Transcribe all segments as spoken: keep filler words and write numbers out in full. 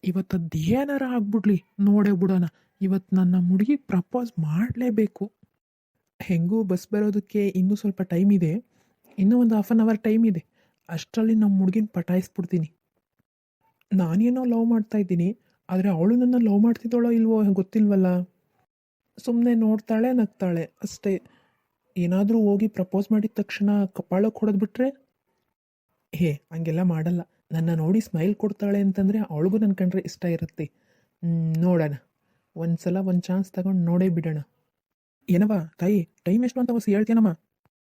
ಇವತ್ತು ಅದೇನಾರ ಆಗ್ಬಿಡ್ಲಿ ನೋಡೇ ಬಿಡೋಣ. ಇವತ್ತು ನನ್ನ ಹುಡುಗಿಗೆ ಪ್ರಪೋಸ್ ಮಾಡಲೇಬೇಕು. ಹೆಂಗೂ ಬಸ್ ಬರೋದಕ್ಕೆ ಇನ್ನೂ ಸ್ವಲ್ಪ ಟೈಮ್ ಇದೆ, ಇನ್ನೂ ಒಂದು ಹಾಫ್ ಆನ್ ಅವರ್ ಟೈಮ್ ಇದೆ. ಅಷ್ಟರಲ್ಲಿ ನಮ್ಮ ಹುಡುಗಿನ ಪಟಾಯಿಸ್ಬಿಡ್ತೀನಿ. ನಾನೇನೋ ಲವ್ ಮಾಡ್ತಾ ಇದ್ದೀನಿ, ಆದರೆ ಅವಳು ನನ್ನ ಲವ್ ಮಾಡ್ತಿದ್ದಾಳೋ ಇಲ್ವೋ ಗೊತ್ತಿಲ್ವಲ್ಲ. ಸುಮ್ಮನೆ ನೋಡ್ತಾಳೆ, ನಗ್ತಾಳೆ ಅಷ್ಟೇ. ಏನಾದರೂ ಹೋಗಿ ಪ್ರಪೋಸ್ ಮಾಡಿದ ತಕ್ಷಣ ಕಪಾಳಕ್ಕೆ ಹೊಡೆದ್ಬಿಟ್ರೆ, ಹೇ ಹಂಗೆಲ್ಲ ಮಾಡಲ್ಲ. ನನ್ನ ನೋಡಿ ಸ್ಮೈಲ್ ಕೊಡ್ತಾಳೆ ಅಂತಂದರೆ ಅವಳಿಗೂ ನನ್ನ ಕಂಡ್ರೆ ಇಷ್ಟ ಇರುತ್ತೆ. ನೋಡೋಣ, ಒಂದು ಸಲ ಒಂದು ಚಾನ್ಸ್ ತಗೊಂಡು ನೋಡೇ ಬಿಡೋಣ. ಏನವ ತಾಯಿ, ಟೈಮ್ ಎಷ್ಟು ಅಂತ ಹೊಸ ಹೇಳ್ತೀನಮ್ಮ?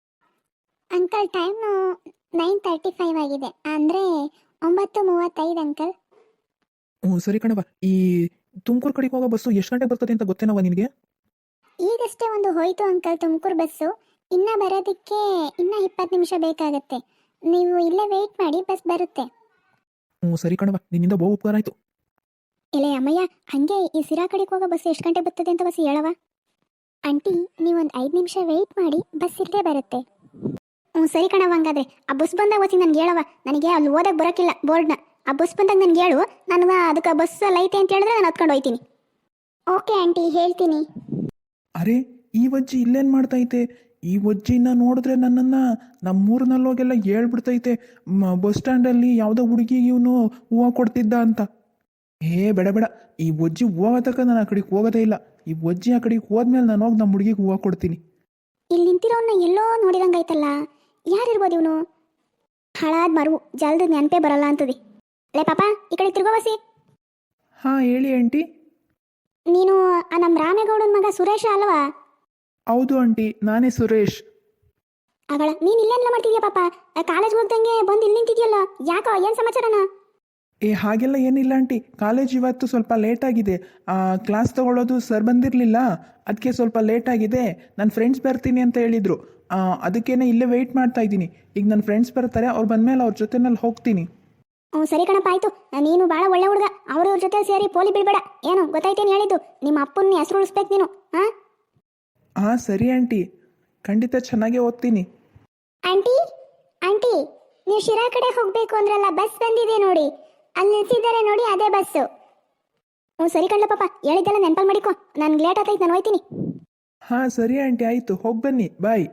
Uncle time nine thirty five ಆಗಿದೆ, ಅಂದರೆ ಒಂಬತ್ತು ಮೂವತ್ತೈದು ಅಂಕಲ್. ಹ್ಞೂ ಸರಿ ಕಣವ. ಈ ತುಮಕೂರು ಕಡೆಗೆ ಹೋಗೋ ಬಸ್ಸು ಎಷ್ಟು ಗಂಟೆಗೆ ಬರ್ತದೆ ಅಂತ ಗೊತ್ತೇನವ ನಿನಗೆ? ಈಗಷ್ಟೇ ಒಂದು ಹೋಯ್ತು ಅಂಕಲ್ ತುಮಕೂರು ಬಸ್ಸು, ಇನ್ನು ಬರೋದಕ್ಕೆ ಇನ್ನೂ ಇಪ್ಪತ್ತು ನಿಮಿಷ ಬೇಕಾಗತ್ತೆ. ನೀವು ಇಲ್ಲೇ ವೆಯ್ಟ್ ಮಾಡಿ, ಬಸ್ ಬರುತ್ತೆ. ಹ್ಞೂ ಸರಿ ಕಣವ, ನಿನ್ನಿಂದ ಬಹು ಉಪಕಾರ ಆಯಿತು. ಇಲ್ಲೇ ಅಮ್ಮಯ್ಯ, ಹಾಗೆ ಈ ಸಿರಾ ಕಡೆಗೆ ಹೋಗೋ ಬಸ್ ಎಷ್ಟು ಗಂಟೆ ಬರ್ತದೆ ಅಂತ ಬಸ್ ಹೇಳವ. ಆಂಟಿ ನೀವೊಂದು ಐದು ನಿಮಿಷ ವೆಯ್ಟ್ ಮಾಡಿ, ಬಸ್ ಇಲ್ಲೇ ಬರುತ್ತೆ. ಹ್ಞೂ ಸರಿ ಕಣವ, ಹಂಗಾದ್ರೆ ಆ ಬಸ್ ಬಂದಾಗ ಓದಿ ನನಗೆ ಹೇಳವ. ನನಗೆ ಅಲ್ಲಿ ಓದಕ್ಕೆ ಬರೋಕ್ಕಿಲ್ಲ ಬೋರ್ಡ್ನ. ಆ ಬಸ್ ಬಂದಾಗ ನನಗೆ ಹೇಳು, ನನಗೆ ಅದಕ್ಕೆ ಬಸ್ ಲೈತೆ ಅಂತ ಹೇಳಿದ್ರೆ ನಾನು ಹತ್ಕೊಂಡು ಹೋಗ್ತೀನಿ. ಓಕೆ ಆಂಟಿ, ಹೇಳ್ತೀನಿ. ಅರೆ, ಈ ವಜ್ಜಿ ಇಲ್ಲೇನು ಮಾಡ್ತೈತೆ? ಈ ವಜ್ಜಿನ ನೋಡಿದ್ರೆ ನನ್ನನ್ನು ನಮ್ಮೂರಿನಲ್ಲೋಗೆಲ್ಲ ಹೇಳ್ಬಿಡ್ತೈತೆ, ಬಸ್ ಸ್ಟ್ಯಾಂಡಲ್ಲಿ ಯಾವುದೋ ಹುಡುಗಿಗೆ ಇವನು ಹೂವು ಕೊಡ್ತಿದ್ದ ಅಂತ. ಏ ಬೇಡ ಬೇಡ, ಈ ವಜ್ಜಿ ಹೂವು ತಕ್ಕ ನಾನು ಆ ಕಡೆಗೆ ಹೋಗೋದೇ ಇಲ್ಲ. ಈ ವಜ್ಜಿ ಆ ಕಡೆಗೆ ಹೋದ್ಮೇಲೆ ನಾನು ಹೋಗಿ ನಮ್ಮ ಹುಡುಗಿಗೆ ಹೂವು ಕೊಡ್ತೀನಿ. ಇಲ್ಲಿ ನಿಂತಿರೋನ್ನ ಎಲ್ಲೋ ನೋಡಿದಂಗಾಯ್ತಲ್ಲ, ಯಾರಿರ್ಬೋದು ಇವನು? ಹಾಳಾದ ಮರವು ಜಲ್ದ ನೆನಪೇ ಬರಲ್ಲ ಅಂತದೆ. ಲೇ ಪಾಪ, ಈ ಕಡೆ ತಿರ್ಗೋವಸಿ. ಹಾಂ ಹೇಳಿ ಆಂಟಿ. ನೀನು ಆ ನಮ್ಮ ರಾಮೇಗೌಡನ ಮಗ ಸುರೇಶ ಅಲ್ವಾ? ಹೌದು ಆಂಟಿ, ನಾನೇ ಸುರೇಶ್. ಅವಳ ನೀನು ಇಲ್ಲೇನೆಲ್ಲ ಮಾಡ್ತಿದ್ಯಾ ಪಾಪ? ಕಾಲೇಜ್ ಹೋಗ್ದಂಗೆ ಬಂದು ಇಲ್ಲಿ ನಿಂತಿದ್ಯಲ್ಲ, ಯಾಕೋ ಏನು ಸಮಾಚಾರನ? ಏ ಹಾಗೆಲ್ಲ ಏನಿಲ್ಲ ಆಂಟಿ, ಕಾಲೇಜ್ ಇವತ್ತು ಸ್ವಲ್ಪ ಲೇಟಾಗಿದೆ. ಕ್ಲಾಸ್ ತೊಗೊಳ್ಳೋದು ಸರ್ ಬಂದಿರಲಿಲ್ಲ, ಅದಕ್ಕೆ ಸ್ವಲ್ಪ ಲೇಟಾಗಿದೆ. ನನ್ನ ಫ್ರೆಂಡ್ಸ್ ಬರ್ತೀನಿ ಅಂತ ಹೇಳಿದರು, ಅದಕ್ಕೇನೆ ಇಲ್ಲೇ ವೆಯ್ಟ್ ಮಾಡ್ತಾ ಇದ್ದೀನಿ. ಈಗ ನನ್ನ ಫ್ರೆಂಡ್ಸ್ ಬರ್ತಾರೆ, ಅವ್ರು ಬಂದಮೇಲೆ ಅವ್ರ ಜೊತೆನಲ್ಲಿ ಹೋಗ್ತೀನಿ. ಹ್ಞೂ ಸರಿ ಕಣಪ್ಪ, ಆಯಿತು. ನೀನು ಭಾಳ ಒಳ್ಳೆ ಹುಡುಗ, ಅವ್ರವ್ರ ಜೊತೆ ಸೇರಿ ಪೋಲಿ ಬಿಡಬೇಡ. ಏನು ಗೊತ್ತಾಯ್ತೇನು ಹೇಳಿದ್ದು? ನಿಮ್ಮ ಅಪ್ಪನ ಹೆಸರು ಉಳಿಸ್ಬೇಕು ನೀನು. ಹಾಂ ಹಾಂ ಸರಿ ಆಂಟಿ, ಖಂಡಿತ ಚೆನ್ನಾಗೇ ಓದ್ತೀನಿ. ಆಂಟಿ ಆಂಟಿ ನೀವು ಶಿರಾ ಕಡೆ ಹೋಗಬೇಕು ಅಂದ್ರಲ್ಲ, ಬಸ್ ಬಂದಿದೆ ನೋಡಿ, ಅಲ್ಲಿ ನಿಲ್ಸಿದ್ದಾರೆ ನೋಡಿ, ಅದೇ ಬಸ್ಸು. ಹ್ಞೂ ಸರಿ ಕಣ್ಣ ಪಾಪ, ಹೇಳಿದ್ದೆಲ್ಲ ನೆನಪಲ್ಲಿ ಮಾಡಿಕೊ. ನನ್ಗೆ ಲೇಟ್ ಆಗ್ತೈತೆ, ನಾನು ಹೋಯ್ತೀನಿ. ಹಾಂ ಸರಿ ಆಂಟಿ, ಆಯಿತು, ಹೋಗಿ ಬನ್ನಿ, ಬಾಯ್.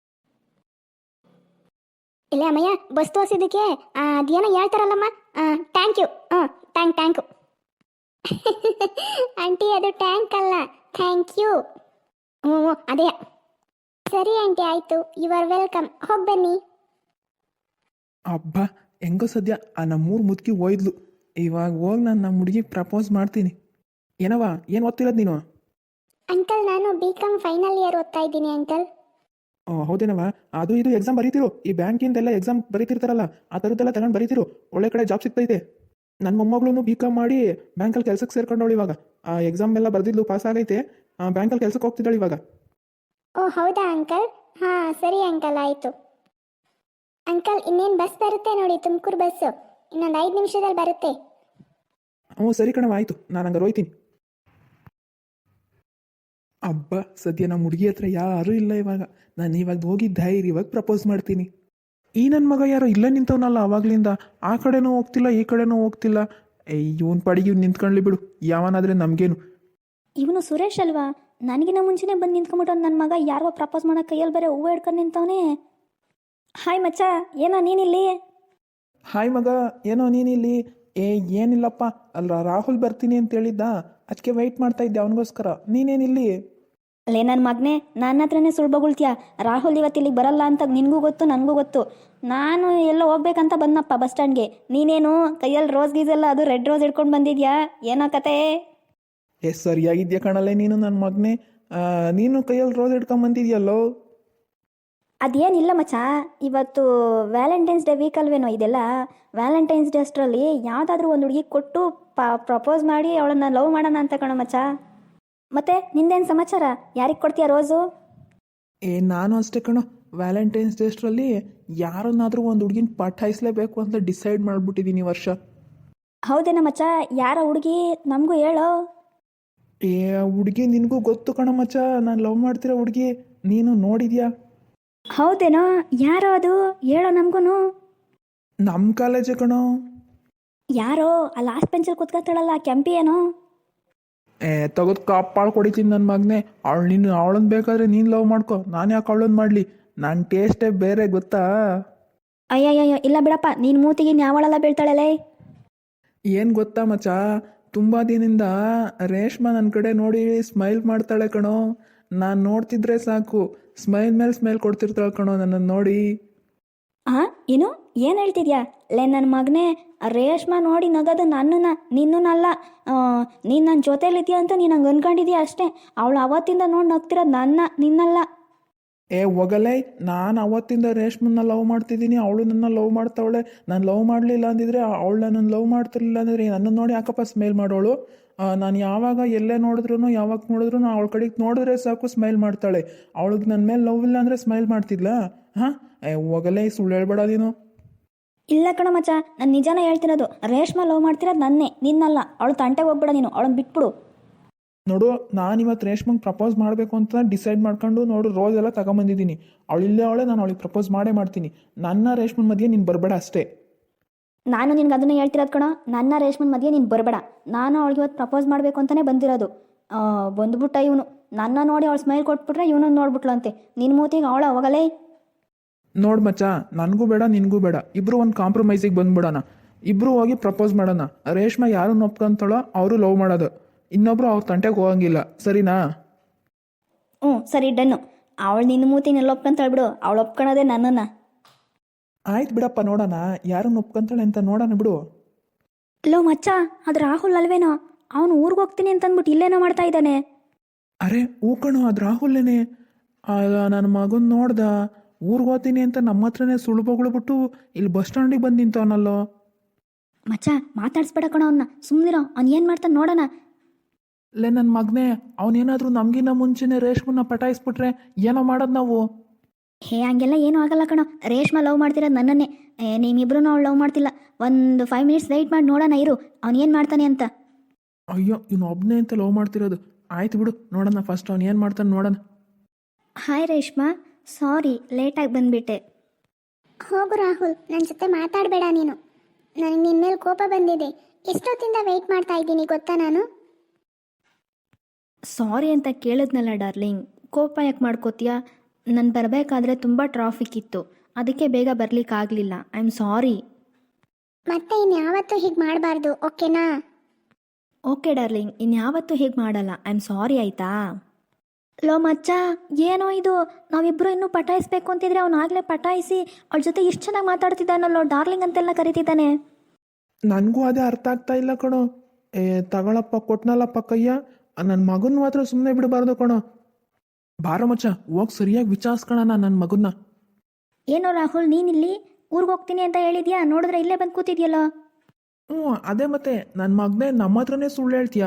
ಇಲ್ಲ ಅಮ್ಮಯ್ಯ, ಬಸ್ ತೋರಿಸಿದ್ದಕ್ಕೆ ಅದೇನೋ ಹೇಳ್ತಾರಲ್ಲಮ್ಮ, ಥ್ಯಾಂಕ್ ಯು. ಹ್ಞೂ ಟ್ಯಾಂಕ್ ಟ್ಯಾಂಕು ಆಂಟಿ, ಅದು ಟ್ಯಾಂಕ್ ಅಲ್ಲ, ಥ್ಯಾಂಕ್ ಯು. ಹ್ಞೂ ಹ್ಞೂ ಅದೇ. ಸರಿ ಆಂಟಿ, ಆಯಿತು, ಯು ಆರ್ ವೆಲ್ಕಮ್. ಹೋಗಿ ಬನ್ನಿ. ಅಬ್ಬಾ, ಹೆಂಗೋ ಸದ್ಯ ಆ ನಮ್ಮೂರು ಮುದುಕಿ ಹೋಯ್ದ್ಲು. ಇವಾಗ ಹೋಗಿ ನಾನು ನಮ್ಮ ಹುಡುಗಿಗೆ ಪ್ರಪೋಸ್ ಮಾಡ್ತೀನಿ. ಏನವ, ಏನು ಓದ್ತಿರೋದು ನೀನು? ಅಂಕಲ್, ನಾನು ಬಿ ಕಾಮ್ ಫೈನಲ್ ಇಯರ್ ಓದ್ತಾ ಇದ್ದೀನಿ ಅಂಕಲ್. ಓ ಹೌದೇನವ, ಅದು ಇದು ಎಕ್ಸಾಮ್ ಬರೀತಿರು. ಈ ಬ್ಯಾಂಕಿಂದೆಲ್ಲ ಎಕ್ಸಾಮ್ ಬರೀತಿರ್ತಾರಲ್ಲ, ಆ ಥರದ್ದೆಲ್ಲ ತಗೊಂಡು ಬರೀತಿರು, ಒಳ್ಳೆ ಕಡೆ ಜಾಬ್ ಸಿಗ್ತೈತೆ. ನನ್ನ ಮೊಮ್ಮಗಳು ಬಿ ಕಾಮ್ ಮಾಡಿ ಬ್ಯಾಂಕಲ್ಲಿ ಕೆಲಸಕ್ಕೆ ಸೇರ್ಕೊಂಡವಳು. ಇವಾಗ ಆ ಎಕ್ಸಾಮ್ ಎಲ್ಲ ಬರೆದಿದ್ಲು, ಪಾಸ್ ಆಗೈತೆ, ಬ್ಯಾಂಕಲ್ಲಿ ಕೆಲಸಕ್ಕೆ ಹೋಗ್ತಿದ್ದಾಳೆ ಇವಾಗ. ಓ ಹೌದಾ ಅಂಕಲ್? ಹಾಂ ಸರಿ ಅಂಕಲ್, ಆಯಿತು. ಅಂಕಲ್, ಇನ್ನೇನು ಬಸ್ ಬರುತ್ತೆ ನೋಡಿ, ತುಮಕೂರು ಬಸ್ಸು, ಇನ್ನೊಂದು ಐದು ನಿಮಿಷದಲ್ಲಿ ಬರುತ್ತೆ. ಹ್ಞೂ ಸರಿ ಕಣವ, ಆಯಿತು, ನಾನು ಹಂಗಾರೆ ಹೋಯ್ತೀನಿ. ಅಬ್ಬ, ಸದ್ಯ ನಮ್ಮ ಹುಡುಗಿ ಹತ್ರ ಯಾರೂ ಇಲ್ಲ ಇವಾಗ. ನಾನು ಇವಾಗ ಹೋಗಿ ಧೈರ್ಯವಾಗಿ ಪ್ರಪೋಸ್ ಮಾಡ್ತೀನಿ. ಈ ನನ್ನ ಮಗ ಯಾರೋ ಇಲ್ಲೇ ನಿಂತವನಲ್ಲ ಆವಾಗಲಿಂದ, ಆ ಕಡೆನೂ ಹೋಗ್ತಿಲ್ಲ ಈ ಕಡೆನೂ ಹೋಗ್ತಿಲ್ಲ. ಇವನ್ ಪಡಿಗೆ ಇವ್ನು ನಿಂತ್ಕೊಳ್ಳಿ ಬಿಡು, ಯಾವನಾದರೆ ನಮಗೇನು. ಇವನು ಸುರೇಶ್ ಅಲ್ವಾ? ನನಗಿನ್ನ ಮುಂಚೆನೇ ಬಂದು ನಿಂತ್ಕೊಂಬಿಟ್ಟು ನನ್ನ ಮಗ ಯಾರೋ ಪ್ರಪೋಸ್ ಮಾಡೋ ಕೈಯಲ್ಲಿ ಬೇರೆ ಹೂವು ಹಿಡ್ಕೊಂಡು ನಿಂತವನೇ. ಹಾಯ್ ಮಚ್ಚ, ಏನೋ ನೀನಿಲ್ಲಿ? ಹಾಯ್ ಮಗ, ಏನೋ ನೀನಿಲ್ಲಿ? ಏ ಏನಿಲ್ಲಪ್ಪ, ಅಲ್ಲ ರಾಹುಲ್ ಬರ್ತೀನಿ ಅಂತ ಹೇಳಿದ್ದ, ಅದಕ್ಕೆ ವೆಯ್ಟ್ ಮಾಡ್ತಾ ಇದ್ದೆ ಅವನಿಗೋಸ್ಕರ. ನೀನೇನಿಲ್ಲಿ? ಲೇ ನನ್ನ ಮಗನೇ, ನನ್ನ ಹತ್ರನೇ ಸುಳ್ಳು ಬೊಗಳ್ತೀಯ. ರಾಹುಲ್ ಇವತ್ತು ಇಲ್ಲಿಗೆ ಬರಲ್ಲ ಅಂತ ನಿನಗೂ ಗೊತ್ತು, ನನಗೂ ಗೊತ್ತು. ನಾನು ಎಲ್ಲ ಹೋಗ್ಬೇಕಂತ ಬಂದಪ್ಪ ಬಸ್ ಸ್ಟ್ಯಾಂಡ್ಗೆ. ನೀನೇನು ಕೈಯಲ್ಲಿ ರೋಸ್ ಗೀಸೆಲ್ಲ, ಅದು ರೆಡ್ ರೋಸ್ ಹಿಡ್ಕೊಂಡು ಬಂದಿದ್ಯಾ? ಏನೋ ಕತೆ? ಏ ಸರಿಯಾಗಿದ್ಯಾ ಕಣಲ್ಲೇ ನೀನು ನನ್ನ ಮಗನೇ. ನೀನು ಕೈಯಲ್ಲಿ ರೋಸ್ ಹಿಡ್ಕೊಂಡು ಬಂದಿದ್ಯಲ್ಲೋ. ಅದೇನಿಲ್ಲ ಮಚ್ಚ, ಇವತ್ತು ವ್ಯಾಲೆಂಟೈನ್ಸ್ ಡೇ ವೀಕ್ ಅಲ್ವೇನೋ ಇದೆಲ್ಲ. ವ್ಯಾಲೆಂಟೈನ್ಸ್ ಡೇ ಅಷ್ಟರಲ್ಲಿ ಯಾವುದಾದ್ರೂ ಒಂದು ಹುಡುಗಿ ಕೊಟ್ಟು ಪ ಪ್ರಪೋಸ್ ಮಾಡಿ ಅವಳನ್ನು ಲವ್ ಮಾಡೋಣ ಅಂತ ಕಣೋ ಮಚ್ಚ. ಮತ್ತೆ ನಿಂದೇನು ಸಮಾಚಾರ? ಯಾರಿಗೆ ಕೊಡ್ತೀಯ ರೋಸು? ಏ ನಾನು ಅಷ್ಟೇ ಕಣೋ, ವ್ಯಾಲೆಂಟೈನ್ಸ್ ಡೇ ಅಷ್ಟರಲ್ಲಿ ಯಾರನ್ನಾದರೂ ಒಂದು ಹುಡುಗಿನ ಪಟಾಯಿಸ್ಲೇಬೇಕು ಅಂತ ಡಿಸೈಡ್ ಮಾಡಿಬಿಟ್ಟಿದ್ದೀನಿ ವರ್ಷ. ಹೌದೇನ ಮಚ್ಚ? ಯಾರ ಹುಡುಗಿ? ನಮಗೂ ಹೇಳೋ. ಏ ಹುಡುಗಿ ನಿನಗೂ ಗೊತ್ತು ಕಣೋ ಮಚ್ಚ, ನಾನು ಲವ್ ಮಾಡ್ತಿರೋ ಹುಡುಗಿ. ನೀನು ನೋಡಿದ್ಯಾ? ಹೌದೇನೋ? ಯಾರೋ ಅದು? ಹೇಳೋ ನಮಗೂ. ನಮ್ಮ ಕಾಲೇಜೇ ಕಣೋ. ಯಾರೋ ಆ ಲಾಸ್ಟ್ ಬೆಂಚಲ್ಲಿ ಕೂತ್ಕೊತಾಳಲ್ಲ ಕೆಂಪಿ ಏನೋ. ಏ ತೆಗೆದು ಕಾಪಾಳು ಕೊಡಿತೀನಿ ನನ್ನ ಮಗನೇ. ಅವಳು ನೀನು ಅವಳನ್ನ ಬೇಕಾದ್ರೆ ನೀನು ಲವ್ ಮಾಡ್ಕೊ, ನಾನು ಯಾಕೆ ಅವಳನ್ನ ಮಾಡಲಿ? ನನ್ನ ಟೇಸ್ಟೇ ಬೇರೆ ಗೊತ್ತಾ? ಅಯ್ಯಯ್ಯಯ್ಯೋ ಇಲ್ಲ ಬಿಡಪ್ಪ, ನೀನು ಮೂತಿಗೆ ಯಾವಳೆಲ್ಲ ಬೀಳ್ತಾಳಲೇ. ಏನು ಗೊತ್ತಾ ಮಚ್ಚ, ತುಂಬ ದಿನದಿಂದ ರೇಷ್ಮಾ ನನ್ನ ಕಡೆ ನೋಡಿ ಸ್ಮೈಲ್ ಮಾಡ್ತಾಳೆ ಕಣೋ. ನಾನು ನೋಡ್ತಿದ್ರೆ ಸಾಕು ಸ್ಮೈಲ್ ಮೇಲೆ ಸ್ಮೈಲ್ ಕೊಡ್ತಿರ್ತಾಳೆ ಕಣೋ ನನ್ನನ್ನು ನೋಡಿ. ಹಾಂ ಏನು ಏನು ಹೇಳ್ತಿದ್ಯಾ ಲೇ ನನ್ನ ಮಗನೇ? ರೇಷ್ಮಾ ನೋಡಿ ನಗೋದು ನನ್ನನ್ನ ನಿನ್ನನ್ನಲ್ಲ. ನೀನು ನನ್ನ ಜೊತೇಲಿದ್ಯಾ ಅಂತ ನೀನು ಹಂಗೆ ಅನ್ಕೊಂಡಿದ್ಯಾ ಅಷ್ಟೇ. ಅವಳು ಅವತ್ತಿಂದ ನೋಡಿ ನಗ್ತಿರೋದು ನನ್ನ ನಿನ್ನಲ್ಲ. ಏ ಹೋಗಲೇ, ನಾನು ಅವತ್ತಿಂದ ರೇಷ್ಮನ್ನ ಲವ್ ಮಾಡ್ತಿದ್ದೀನಿ, ಅವಳು ನನ್ನ ಲವ್ ಮಾಡ್ತಾವಳೆ. ನಾನು ಲವ್ ಮಾಡಲಿಲ್ಲ ಅಂದಿದ್ರೆ ಅವಳು ನನ್ನನ್ನು ಲವ್ ಮಾಡ್ತಿರ್ಲಿಲ್ಲ ಅಂದರೆ ನನ್ನನ್ನು ನೋಡಿ ಯಾಕಪ್ಪ ಸ್ಮೈಲ್ ಮಾಡೋಳು? ನಾನು ಯಾವಾಗ ಎಲ್ಲೇ ನೋಡಿದ್ರು ಯಾವಾಗ ನೋಡಿದ್ರು ಅವಳ ಕಡೆಗೆ ನೋಡಿದ್ರೆ ಸಾಕು ಸ್ಮೈಲ್ ಮಾಡ್ತಾಳೆ. ಅವಳಿಗೆ ನನ್ನ ಮೇಲೆ ಲವ್ ಇಲ್ಲ ಅಂದರೆ ಸ್ಮೈಲ್ ಮಾಡ್ತಿದ್ಲಾ? ಹಾಂ ಏ ಹೋಗಲೇ, ಸುಳ್ಳು ಹೇಳ್ಬೇಡ ನೀನು. ಇಲ್ಲ ಕಣ ಮಚ್ಚ, ನಾನು ನಿಜಾನೇ ಹೇಳ್ತಿರೋದು. ರೇಷ್ಮಾ ಲವ್ ಮಾಡ್ತಿರೋದು ನನ್ನೇ ನಿನ್ನಲ್ಲ. ಅವಳು ತಂಟೆಗೆ ಹೋಗ್ಬೇಡ ನೀನು, ಅವಳನ್ನ ಬಿಟ್ಬಿಡು. ನೋಡು, ನಾನು ಇವತ್ತು ರೇಷ್ಮಂಗೆ ಪ್ರಪೋಸ್ ಮಾಡಬೇಕು ಅಂತ ಡಿಸೈಡ್ ಮಾಡ್ಕೊಂಡು ನೋಡು ರೋಸ್ ಎಲ್ಲ ತಗೊಂಬಂದಿದ್ದೀನಿ. ಅವಳು ಇಲ್ಲೇ ಅವಳೆ, ನಾನು ಅವಳಿಗೆ ಪ್ರಪೋಸ್ ಮಾಡೇ ಮಾಡ್ತೀನಿ. ನನ್ನ ರೇಷ್ಮನ್ ಮಧ್ಯೆ ನೀನು ಬರಬೇಡ ಅಷ್ಟೇ. ನಾನು ನಿನ್ಗೆ ಅದನ್ನೇ ಹೇಳ್ತಿರೋದು ಕಣ, ನನ್ನ ರೇಷ್ಮನ್ ಮಧ್ಯೆ ನೀನು ಬರಬೇಡ. ನಾನು ಅವಳಿಗೆ ಇವತ್ತು ಪ್ರಪೋಸ್ ಮಾಡಬೇಕು ಅಂತಲೇ ಬಂದಿರೋದು. ಬಂದ್ಬಿಟ್ಟ ಇವನು ನನ್ನ ನೋಡಿ ಅವಳು ಸ್ಮೈಲ್ ಕೊಟ್ಬಿಟ್ರೆ ಇವನನ್ನು ನೋಡ್ಬಿಟ್ಲು ಅಂತೆ. ನಿನ್ನ ಮೂತಿಗೆ ಅವಳ ಹೋಗಲೇ. ನೋಡು ಮಚ್ಚ, ನನಗೂ ಬೇಡ ನಿನಗೂ ಬೇಡ, ಇಬ್ಬರು ಒಂದು ಕಾಂಪ್ರಮೈಸಿಗೆ ಬಂದ್ಬಿಡೋಣ. ಇಬ್ಬರು ಹೋಗಿ ಪ್ರಪೋಸ್ ಮಾಡೋಣ. ರೇಷ್ಮಾ ಯಾರನ್ನ ಒಪ್ಕೊಂತಾಳೋ ಅವರು ಲವ್ ಮಾಡೋದು, ಇನ್ನೊಬ್ರು ಅವ್ರ ತಂಟೆಗೆ ಹೋಗಂಗಿಲ್ಲ, ಸರಿನಾ? ಹ್ಞೂ ಸರಿ ಡನ್ನು. ಅವಳು ನಿನ್ನ ಮೂತಿನೆಲ್ಲ ಒಪ್ಕೊಂತಾಳೆ ಬಿಡು, ಅವಳು ಒಪ್ಕೊಳೋದೇ ನನ್ನನ್ನು. ಆಯ್ತು ಬಿಡಪ್ಪ, ನೋಡೋಣ ಯಾರನ್ನ ಒಪ್ಕೊಂತಾಳೆ ಅಂತ ನೋಡೋಣ ಬಿಡು. ಲೋ ಮಚ್ಚ, ಅದು ರಾಹುಲ್ ಅಲ್ವೇನೋ? ಅವನು ಊರಿಗೆ ಹೋಗ್ತೀನಿ ಅಂತಂದ್ಬಿಟ್ಟು ಇಲ್ಲೇನೋ ಮಾಡ್ತಾ ಇದ್ದಾನೆ. ಅರೆ ಹೂ ಕಣೋ, ಅದು ರಾಹುಲ್ನೇ. ನನ್ನ ಮಗನ ನೋಡ್ದ ಊರಿಗೆ ಹೋಗ್ತೀನಿ ಅಂತ ನಮ್ಮ ಹತ್ರನೇ ಸುಳ್ಳು ಬೊಗಳ್ಬಿಟ್ಟು ಇಲ್ಲಿ ಬಸ್ ಸ್ಟ್ಯಾಂಡಿಗೆ ಬಂದು ನಿಂತವನಲ್ಲೋ. ಮಚ್ಚ ಮಾತಾಡ್ಸ್ಬೇಡ ಕಣ ಅವನ್ನ, ಸುಮ್ಮನಿರೋ. ಅವ್ನು ಏನು ಮಾಡ್ತಾನೆ ನೋಡೋಣ. ಲೇ ನನ್ನ ಮಗನೇ, ಅವನೇನಾದರೂ ನಮಗಿನ್ನ ಮುಂಚೆನೇ ರೇಷ್ಮನ್ನ ಪಟಾಯಿಸ್ಬಿಟ್ರೆ ಏನೋ ಮಾಡೋದು ನಾವು. ಹೇ ಹಂಗೆಲ್ಲ ಏನೂ ಆಗಲ್ಲ ಕಣೋ. ರೇಷ್ಮಾ ಲವ್ ಮಾಡ್ತಿರೋದು ನನ್ನನ್ನೇ. ನೀವಿಬ್ರು ಅವಳು ಲವ್ ಮಾಡ್ತಿಲ್ಲ. ಒಂದು ಫೈವ್ ಮಿನಿಟ್ಸ್ ವೆಯ್ಟ್ ಮಾಡಿ ನೋಡೋಣ ಇರು, ಅವ್ನು ಏನು ಮಾಡ್ತಾನೆ ಅಂತ. ಅಯ್ಯೋ, ಇವನು ಒಬ್ಬನೇ ಅಂತ ಲವ್ ಮಾಡ್ತಿರೋದು. ಆಯ್ತು ಬಿಡು, ನೋಡೋಣ ಫಸ್ಟ್ ಅವ್ನು ಏನು ಮಾಡ್ತಾನೆ ನೋಡೋಣ. ಹಾಯ್ ರೇಷ್ಮಾ, ಸಾರಿ ಲೇಟಾಗಿ ಬಂದುಬಿಟ್ಟೆ. ಹೋಗು ರಾಹುಲ್, ನನ್ನ ಜೊತೆ ಮಾತಾಡಬೇಡ ನೀನು. ನನಗೆ ನಿನ್ನ ಮೇಲೆ ಕೋಪ ಬಂದಿದೆ. ಎಷ್ಟೊತ್ತಿಂದ ವೆಯ್ಟ್ ಮಾಡ್ತಾ ಇದ್ದೀನಿ ಗೊತ್ತಾ ನಾನು? ಸಾರಿ ಅಂತ ಕೇಳಿದ್ನಲ್ಲ ಡಾರ್ಲಿಂಗ್, ಕೋಪ ಯಾಕೆ ಮಾಡ್ಕೋತೀಯಾ? ನಾನು ಬರಬೇಕಾದ್ರೆ ತುಂಬ ಟ್ರಾಫಿಕ್ ಇತ್ತು, ಅದಕ್ಕೆ ಬೇಗ ಬರಲಿಕ್ಕಾಗಲಿಲ್ಲ. I am sorry. ಮತ್ತೆ ಇನ್ಯಾವತ್ತೂ ಹೀಗೆ ಮಾಡಬಾರ್ದು, ಓಕೆನಾ? ಓಕೆ ಡಾರ್ಲಿಂಗ್, ಇನ್ಯಾವತ್ತೂ ಹೀಗೆ ಮಾಡಲ್ಲ. ಐ ಆಮ್ ಸಾರಿ ಆಯಿತಾ? ಲೋ ಮಚ್ಚ, ಏನೋ ಇದು, ನಾವಿಬ್ಬರು ಇನ್ನೂ ಪಟಾಯಿಸ್ಬೇಕು ಅಂತಿದ್ರೆ ಅವ್ನು ಆಗಲೇ ಪಟಾಯಿಸಿ ಅವಳ ಜೊತೆ ಇಷ್ಟು ಚೆನ್ನಾಗಿ ಮಾತಾಡ್ತಿದ್ದಾನಲ್ಲೋ, ಡಾರ್ಲಿಂಗ್ ಅಂತೆಲ್ಲ ಕರಿತಿದ್ದಾನೆ. ನನಗೂ ಅದೇ ಅರ್ಥ ಆಗ್ತಾ ಇಲ್ಲ ಕಣೋ. ಏ ತಗೊಳಪ್ಪ, ಕೊಟ್ನಲ್ಲಪ್ಪ ಕಯ್ಯ, ನನ್ನ ಮಗನ ಮಾತ್ರ ಸುಮ್ಮನೆ ಬಿಡಬಾರ್ದು ಕಣೋ. ಬಾರ ಮಚ್ಚ, ಹೋಗಿ ಸರಿಯಾಗಿ ವಿಚಾರಿಸ್ಕೊಳ ನನ್ನ ಮಗನ್ನ. ಏನೋ ರಾಹುಲ್, ನೀನಿಲ್ಲಿ ಊರಿಗೆ ಹೋಗ್ತೀನಿ ಅಂತ ಹೇಳಿದ್ಯಾ? ನೋಡಿದ್ರೆ ಇಲ್ಲೇ ಬಂದು ಕೂತಿದ್ಯಲ್ಲ. ಹ್ಞೂ ಅದೇ ಮತ್ತೆ, ನನ್ನ ಮಗನೇ ನಮ್ಮ ಹತ್ರನೇ ಸುಳ್ಳು ಹೇಳ್ತೀಯಾ?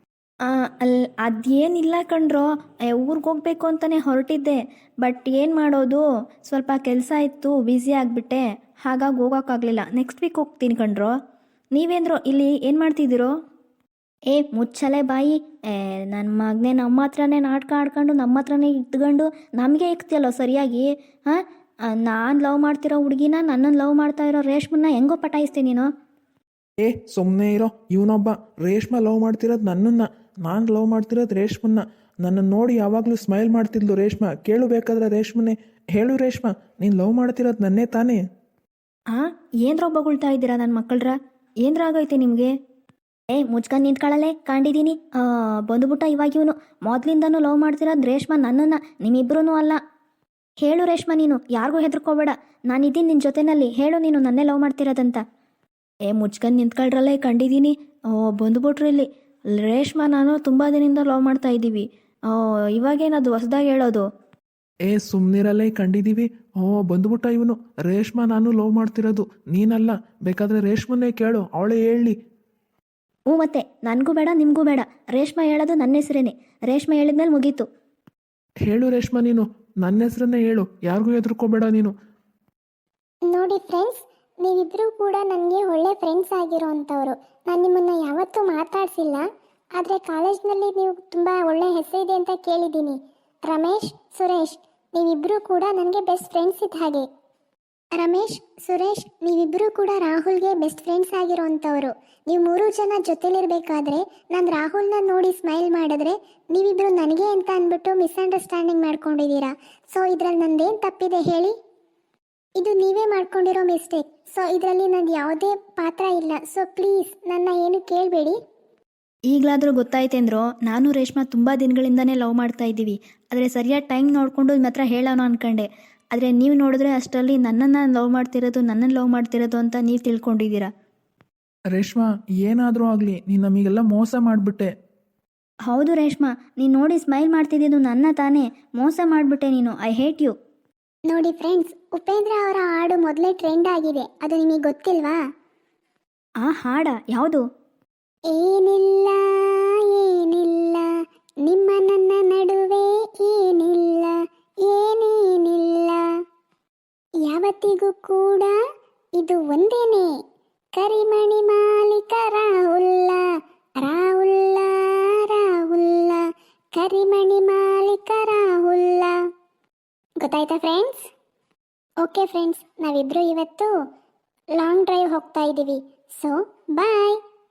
ಅಲ್ಲಿ ಅದೇನಿಲ್ಲ ಕಣ್ರೋ, ಊರಿಗೆ ಹೋಗ್ಬೇಕು ಅಂತಲೇ ಹೊರಟಿದ್ದೆ. ಬಟ್ ಏನು ಮಾಡೋದು, ಸ್ವಲ್ಪ ಕೆಲಸ ಇತ್ತು, ಬ್ಯುಸಿ ಆಗಿಬಿಟ್ಟೆ, ಹಾಗಾಗಿ ಹೋಗೋಕ್ಕಾಗಲಿಲ್ಲ. ನೆಕ್ಸ್ಟ್ ವೀಕ್ ಹೋಗ್ತೀನಿ ಕಣ್ರೋ. ನೀವೇಂದ್ರೋ ಇಲ್ಲಿ ಏನು ಮಾಡ್ತಿದ್ದೀರೋ? ಏ ಮುಚ್ಚಲೆ ಬಾಯಿ. ಏ ನನ್ನ ಮಗನೇ ನಮ್ಮ ಹತ್ರನೇ ನಾಟಕ ಆಡ್ಕೊಂಡು ನಮ್ಮ ಹತ್ರನೇ ಇಟ್ಕೊಂಡು ನಮಗೆ ಇಕ್ತಿಯಲ್ಲೋ ಸರಿಯಾಗಿ. ಹಾಂ, ನಾನು ಲವ್ ಮಾಡ್ತಿರೋ ಹುಡುಗಿನ, ನನ್ನನ್ನು ಲವ್ ಮಾಡ್ತಾ ಇರೋ ರೇಷ್ಮನ್ನ ಹೆಂಗೋ ಪಟಾಯಿಸ್ತೀನಿ ನೀನು. ಏ ಸುಮ್ಮನೆ ಇರೋ, ಇವನೊಬ್ಬ ರೇಷ್ಮಾ ಲವ್ ಮಾಡ್ತಿರೋದು ನನ್ನನ್ನು, ನಾನು ಲವ್ ಮಾಡ್ತಿರೋದು ರೇಷ್ಮನ್ನ. ನನ್ನನ್ನು ನೋಡಿ ಯಾವಾಗಲೂ ಸ್ಮೈಲ್ ಮಾಡ್ತಿದ್ಲು ರೇಷ್ಮಾ. ಕೇಳು ಬೇಕಾದ್ರೆ ರೇಷ್ಮನ್ನೇ, ಹೇಳು ರೇಷ್ಮಾ, ನೀನು ಲವ್ ಮಾಡ್ತಿರೋದು ನನ್ನೇ ತಾನೇ? ಹಾಂ, ಏನ್ರ ಬೊಗಳ್ತಾ ಇದ್ದೀರಾ ನನ್ನ ಮಕ್ಕಳ್ರ? ಏನ್ರ ಆಗೈತೆ ನಿಮಗೆ? ಏ ಮುಚ್ಕೊಂಡು ನಿಂತ್ಕೊಳ್ಳಲೆ, ಕಂಡಿದ್ದೀನಿ. ಬಂದುಬಿಟ್ಟ ಇವಾಗ ಇವನು. ಮೊದಲಿಂದನೂ ಲವ್ ಮಾಡ್ತಿರೋದು ರೇಷ್ಮಾ ನನ್ನನ್ನು, ನಿಮ್ಮಿಬ್ರೂ ಅಲ್ಲ. ಹೇಳು ರೇಷ್ಮಾ, ನೀನು ಯಾರಿಗೂ ಹೆದರ್ಕೋಬೇಡ, ನಾನಿದ್ದೀನಿ ನಿನ್ನ ಜೊತೆನಲ್ಲಿ. ಹೇಳು ನೀನು ನನ್ನೇ ಲವ್ ಮಾಡ್ತಿರೋದಂತ. ಏ ಮುಚ್ಕೊಂಡು ನಿಂತ್ಕೊಳ್ರಲ್ಲೇ, ಕಂಡಿದ್ದೀನಿ. ಬಂದುಬಿಟ್ರು ಇಲ್ಲಿ. ರೇಷ್ಮಾ ನಾನು ತುಂಬ ದಿನದಿಂದ ಲವ್ ಮಾಡ್ತಾ ಇದ್ದೀವಿ. ಇವಾಗೇನದು ಹೊಸದಾಗಿ ಹೇಳೋದು? ಏ ಸುಮ್ಮನಿರಲ್ಲೇ, ಕಂಡಿದ್ದೀವಿ. ಓ ಬಂದುಬಿಟ್ಟ ಇವನು. ರೇಷ್ಮಾ ನಾನು ಲವ್ ಮಾಡ್ತಿರೋದು ನೀನಲ್ಲ, ಬೇಕಾದರೆ ರೇಷ್ಮನ್ನೇ ಕೇಳು, ಅವಳೇ ಹೇಳಿ. ಹ್ಞೂ ಮತ್ತೆ, ನನಗೂ ಬೇಡ ನಿಮಗೂ ಬೇಡ. ರೇಷ್ಮಾ ಹೇಳೋದು ನನ್ನ ಹೆಸರೇನೆ. ರೇಷ್ಮಾ ಹೇಳಿದ್ಮೇಲೆ ಮುಗೀತು. ಹೇಳು ರೇಷ್ಮಾ, ನೀನು ನನ್ನ ಹೆಸರನ್ನೇ ಹೇಳು, ಯಾರಿಗೂ ಹೆದರ್ಕೋಬೇಡ ನೀನು. ನೋಡಿ ಫ್ರೆಂಡ್ಸ್, ನೀವಿಬ್ಬರೂ ಕೂಡ ನನಗೆ ಒಳ್ಳೆ ಫ್ರೆಂಡ್ಸ್ ಆಗಿರೋ ಅಂಥವ್ರು. ನಾನು ನಿಮ್ಮನ್ನು ಯಾವತ್ತೂ ಮಾತಾಡಿಸಿಲ್ಲ, ಆದರೆ ಕಾಲೇಜ್ನಲ್ಲಿ ನೀವು ತುಂಬ ಒಳ್ಳೆ ಹೆಸರಿದೆ ಅಂತ ಕೇಳಿದ್ದೀನಿ. ರಮೇಶ್, ಸುರೇಶ್, ನೀವಿಬ್ಬರೂ ಕೂಡ ನನಗೆ ಬೆಸ್ಟ್ ಫ್ರೆಂಡ್ಸ್ ಇದ್ದ ಹಾಗೆ. ರಮೇಶ್, ಸುರೇಶ್, ನೀವಿಬ್ಬರೂ ಕೂಡ ರಾಹುಲ್ಗೆ ಬೆಸ್ಟ್ ಫ್ರೆಂಡ್ಸ್ ಆಗಿರೋಂಥವ್ರು. ನೀವು ಮೂರು ಜನ ಜೊತೆಲಿರ್ಬೇಕಾದ್ರೆ ನಾನು ರಾಹುಲ್ನ ನೋಡಿ ಸ್ಮೈಲ್ ಮಾಡಿದ್ರೆ ನೀವಿಬ್ಬರು ನನಗೆ ಅಂತ ಅಂದ್ಬಿಟ್ಟು ಮಿಸ್ಅಂಡರ್ಸ್ಟ್ಯಾಂಡಿಂಗ್ ಮಾಡ್ಕೊಂಡಿದ್ದೀರಾ. ಸೊ ಇದರಲ್ಲಿ ನಂದೇನು ತಪ್ಪಿದೆ ಹೇಳಿ? ಇದು ನೀವೇ ಮಾಡ್ಕೊಂಡಿರೋ ಮಿಸ್ಟೇಕ್. ಸೊ ಇದರಲ್ಲಿ ನಂದು ಯಾವುದೇ ಪಾತ್ರ ಇಲ್ಲ. ಸೊ ಪ್ಲೀಸ್ ನನ್ನ ಏನು ಕೇಳಬೇಡಿ. ಈಗಲಾದರೂ ಗೊತ್ತಾಯ್ತೇಂದ್ರೋ, ನಾನು ರೇಷ್ಮಾ ತುಂಬ ದಿನಗಳಿಂದನೇ ಲವ್ ಮಾಡ್ತಾ ಇದ್ದೀವಿ. ಆದರೆ ಸರಿಯಾದ ಟೈಮ್ ನೋಡಿಕೊಂಡು ನಿಮ್ಮ ಹತ್ರ ಹೇಳೋಣ ಅಂದ್ಕೊಂಡೆ. ಆದರೆ ನೀವು ನೋಡಿದ್ರೆ ಅಷ್ಟರಲ್ಲಿ ನನ್ನನ್ನು ಲವ್ ಮಾಡ್ತಿರೋದು ನನ್ನನ್ನು ಲವ್ ಮಾಡ್ತಿರೋದು ಅಂತ ನೀವು ತಿಳ್ಕೊಂಡಿದ್ದೀರಾ. ರೇಷ್ಮಾ, ಏನಾದರೂ ಆಗಲಿ ನೀನು ನಮಗೆಲ್ಲ ಮೋಸ ಮಾಡಿಬಿಟ್ಟೆ. ಹೌದು ರೇಷ್ಮಾ, ನೀನು ನೋಡಿ ಸ್ಮೈಲ್ ಮಾಡ್ತಿದ್ದಿದ್ದು ನನ್ನ ತಾನೇ. ಮೋಸ ಮಾಡಿಬಿಟ್ಟೆ ನೀನು. I hate you. ನೋಡಿ ಫ್ರೆಂಡ್ಸ್, ಉಪೇಂದ್ರ ಅವರ ಹಾಡು ಮೊದಲೇ ಟ್ರೆಂಡ್ ಆಗಿದೆ. ಅದು ನಿಮಗೆ ಗೊತ್ತಿಲ್ವಾ? ಆ ಹಾಡ ಯಾವುದು? ಏನಿಲ್ಲ ಏನಿಲ್ಲ ನಿಮ್ಮ ನನ್ನ ನಡುವೆ ಏನಿಲ್ಲ ಏನೇನಿಲ್ಲ, ಯಾವತ್ತಿಗೂ ಕೂಡ ಇದು ಒಂದೇನೆ. ಕರಿಮಣಿ ಮಾಲೀಕ ರಾಹುಲ್ಲ ರಾಹುಲ್ಲ ರಾಹುಲ್ಲ, ಕರಿಮಣಿ ಮಾಲೀಕ ರಾಹುಲ್ಲ. ಗೊತ್ತಾಯ್ತಾ ಫ್ರೆಂಡ್ಸ್? ಓಕೆ ಫ್ರೆಂಡ್ಸ್, ನಾವಿಬ್ರು ಇವತ್ತು ಲಾಂಗ್ ಡ್ರೈವ್ ಹೋಗ್ತಾ ಇದ್ದೀವಿ. So bye.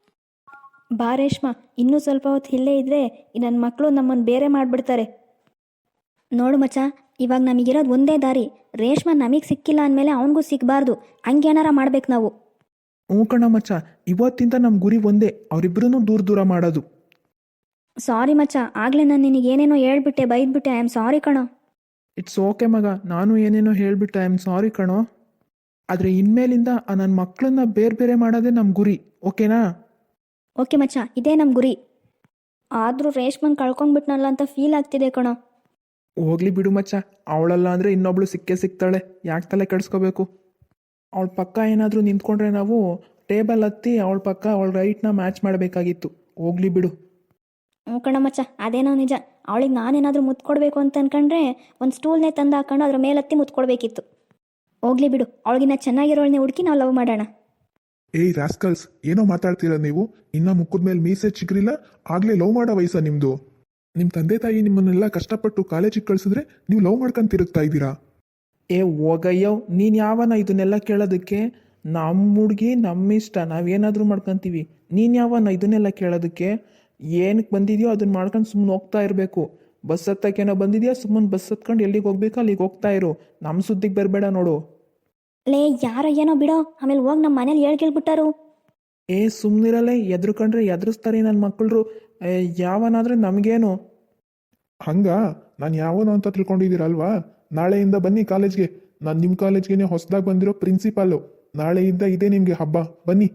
ಬಾ ರೇಷ್ಮಾ, ಇನ್ನೂ ಸ್ವಲ್ಪ ಹೊತ್ತು ಇಲ್ಲೇ ಇದ್ದರೆ ನನ್ನ ಮಕ್ಕಳು ನಮ್ಮನ್ನು ಬೇರೆ ಮಾಡಿಬಿಡ್ತಾರೆ. ನೋಡು ಮಚ್ಚ, ಇವಾಗ ನಮಗಿರೋದು ಒಂದೇ ದಾರಿ. ರೇಷ್ಮಾ ನಮಗೆ ಸಿಕ್ಕಿಲ್ಲ ಅಂದಮೇಲೆ ಅವನಿಗೂ ಸಿಗಬಾರ್ದು. ಹಂಗೇನಾರ ಮಾಡ್ಬೇಕು ನಾವು. ಹ್ಞೂ ಕಣ ಮಚ್ಚ, ಇವತ್ತಿಂದ ನಮ್ಮ ಗುರಿ ಒಂದೇ, ಅವರಿಬ್ಬರೂ ದೂರ ದೂರ ಮಾಡೋದು. ಸಾರಿ ಮಚ್ಚ, ಆಗಲೇ ನಾನು ನಿನಗೆ ಏನೇನೋ ಹೇಳ್ಬಿಟ್ಟೆ, ಬೈದ್ಬಿಟ್ಟೆ. ಐ ಆಮ್ ಸಾರಿ ಕಣೋ. ಇಟ್ಸ್ ಓಕೆ ಮಗ, ನಾನು ಏನೇನೋ ಹೇಳಿಬಿಟ್ಟೆ, ಐ ಆಮ್ ಸಾರಿ ಕಣೋ. ಆದರೆ ಇನ್ಮೇಲಿಂದ ನನ್ನ ಮಕ್ಕಳನ್ನ ಬೇರೆ ಬೇರೆ ಮಾಡೋದೇ ನಮ್ಮ ಗುರಿ, ಓಕೆನಾ? ಓಕೆ ಮಚ್ಚ, ಇದೇ ನಮ್ಮ ಗುರಿ. ಆದರೂ ರೇಷ್ಮನ್ ಕಳ್ಕೊಂಡ್ಬಿಟ್ನಲ್ಲ ಅಂತ ಫೀಲ್ ಆಗ್ತಿದೆ ಕಣೋ. ಹೋಗ್ಲಿ ಬಿಡು ಮಚ್ಚ, ಅವಳಲ್ಲ ಅಂದರೆ ಇನ್ನೊಬ್ಳು ಸಿಕ್ಕೇ ಸಿಗ್ತಾಳೆ, ಯಾಕೆ ತಲೆ ಕೆಡಿಸ್ಕೋಬೇಕು? ಅವಳ ಪಕ್ಕ ಏನಾದರೂ ನಿಂತ್ಕೊಂಡ್ರೆ ನಾವು ಟೇಬಲ್ ಹತ್ತಿ ಅವಳ ಪಕ್ಕ ಅವಳ ರೈಟ್ನ ಮ್ಯಾಚ್ ಮಾಡಬೇಕಾಗಿತ್ತು. ಹೋಗ್ಲಿ ಬಿಡು. ಹ್ಞೂ ಕಣ ಮಚ್ಚ, ಅದೇನೋ ನಿಜ. ಅವಳಿಗೆ ನಾನೇನಾದರೂ ಮುತ್ಕೊಡ್ಬೇಕು ಅಂತ ಅನ್ಕೊಂಡ್ರೆ ಒಂದು ಸ್ಟೂಲ್ನೇ ತಂದು ಹಾಕೊಂಡು ಅದ್ರ ಮೇಲೆ ಹತ್ತಿ ಮುತ್ಕೊಡ್ಬೇಕಿತ್ತು. ಹೋಗ್ಲಿ ಬಿಡು, ಅವಳಿಗಿನ್ನ ಚೆನ್ನಾಗಿರೋಳನ್ನೇ ಹುಡುಕಿ ನಾವು ಲವ್ ಮಾಡೋಣ. ಏಯ್ ರಾಸ್ಕಲ್ಸ್, ಏನೋ ಮಾತಾಡ್ತೀರಾ ನೀವು? ಇನ್ನ ಮುಖದ ಮೇಲೆ ಮೀಸೆ ಚಿಗ್ರಿಲ್ಲ, ಆಗ್ಲೇ ಲವ್ ಮಾಡೋ ವಯಸ್ಸ ನಿಮ್ದು? ನಿಮ್ಮ ತಂದೆ ತಾಯಿ ನಿಮ್ಮನ್ನೆಲ್ಲ ಕಷ್ಟಪಟ್ಟು ಕಾಲೇಜಿಗೆ ಕಳ್ಸಿದ್ರೆ ನೀವು ಲವ್ ಮಾಡ್ಕೊಂಡು ತಿರುಗ್ತಾ ಇದ್ದೀರಾ? ಏ ಹೋಗಯ್ಯೋ, ನೀನು ಯಾವನ ಇದನ್ನೆಲ್ಲ ಕೇಳೋದಕ್ಕೆ? ನಮ್ಮ ಹುಡುಗಿ ನಮ್ಮ ಇಷ್ಟ, ನಾವೇನಾದರೂ ಮಾಡ್ಕೊತೀವಿ. ನೀನು ಯಾವನ ಇದನ್ನೆಲ್ಲ ಕೇಳೋದಕ್ಕೆ? ಏನಕ್ಕೆ ಬಂದಿದೆಯೋ ಅದನ್ನ ಮಾಡ್ಕೊಂಡು ಸುಮ್ಮನೆ ಹೋಗ್ತಾ ಇರಬೇಕು. ಬಸ್ ಹತ್ತಕ್ಕೇನೋ ಬಂದಿದೆಯಾ, ಸುಮ್ಮನೆ ಬಸ್ ಹತ್ಕೊಂಡು ಎಲ್ಲಿಗೆ ಹೋಗ್ಬೇಕು ಅಲ್ಲಿಗೆ ಹೋಗ್ತಾ ಇರು. ನಮ್ಮ ಸುದ್ದಿಗೆ ಬರಬೇಡ ನೋಡು. ಲೇ ಯಾರೋ ಏನೋ ಬಿಡೋ, ಆಮೇಲೆ ಹೋಗಿ ನಮ್ಮ ಮನೇಲಿ ಹೇಳ್ ಕೇಳ್ಬಿಟ್ಟಾರು. ಏ ಸುಮ್ಮನಿರಲ್ಲೇ, ಎದ್ರುಕೊಂಡ್ರೆ ಎದುರಿಸ್ತಾರೆ ನನ್ನ ಮಕ್ಕಳು. ಯಾವನಾದ್ರೆ ನಮಗೇನು? ಹಂಗ ನಾನು ಯಾವನು ಅಂತ ತಿಳ್ಕೊಂಡಿದ್ದೀರಲ್ವಾ? ನಾಳೆಯಿಂದ ಬನ್ನಿ ಕಾಲೇಜ್ಗೆ. ನಾನು ನಿಮ್ಮ ಕಾಲೇಜ್ಗೆ ಹೊಸದಾಗಿ ಬಂದಿರೋ ಪ್ರಿನ್ಸಿಪಾಲು. ನಾಳೆಯಿಂದ ಇದೆ ನಿಮಗೆ ಹಬ್ಬ, ಬನ್ನಿ.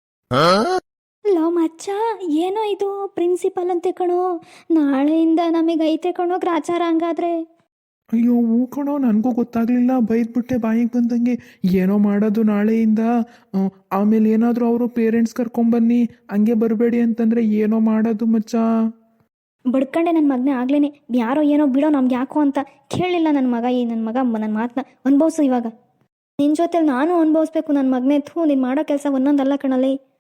ಲವ್ ಮಚ್ಚ, ಏನೋ ಇದು ಪ್ರಿನ್ಸಿಪಲ್ ಅಂತೆ ಕಣೋ. ನಾಳೆಯಿಂದ ನಮಗೆ ಐತೆ ಕಣೋ ಗ್ರಾಚಾರ. ಹಂಗಾದ್ರೆ ಅಯ್ಯೋ ಹೂ ಕಣೋ, ನನಗೂ ಗೊತ್ತಾಗಲಿಲ್ಲ, ಬೈದ್ಬಿಟ್ಟೆ ಬಾಯಿಗೆ ಬಂದಂಗೆ. ಏನೋ ಮಾಡೋದು ನಾಳೆಯಿಂದ. ಆ, ಆಮೇಲೆ ಏನಾದರೂ ಅವರು ಪೇರೆಂಟ್ಸ್ ಕರ್ಕೊಂಬನ್ನಿ, ಹಂಗೆ ಬರಬೇಡಿ ಅಂತಂದರೆ ಏನೋ ಮಾಡೋದು ಮಚ್ಚ. ಬಡ್ಕಂಡೆ ನನ್ನ ಮಗನೇ ಆಗ್ಲೇನೆ. ಯಾರೋ ಏನೋ ಬಿಡೋ, ನಮ್ಗೆ ಯಾಕೋ ಅಂತ ಕೇಳಲಿಲ್ಲ ನನ್ನ ಮಗ. ಈ ನನ್ನ ಮಗ ನನ್ನ ಮಾತನ್ನ ಅನುಭವಿಸು ಇವಾಗ. ನಿನ್ನ ಜೊತೆಲಿ ನಾನು ಅನುಭವಿಸ್ಬೇಕು ನನ್ನ ಮಗನೇ. ಥೂ, ನೀನು ಮಾಡೋ ಕೆಲಸ ಒಂದೊಂದಲ್ಲ ಕಣಲ್ಲಿ.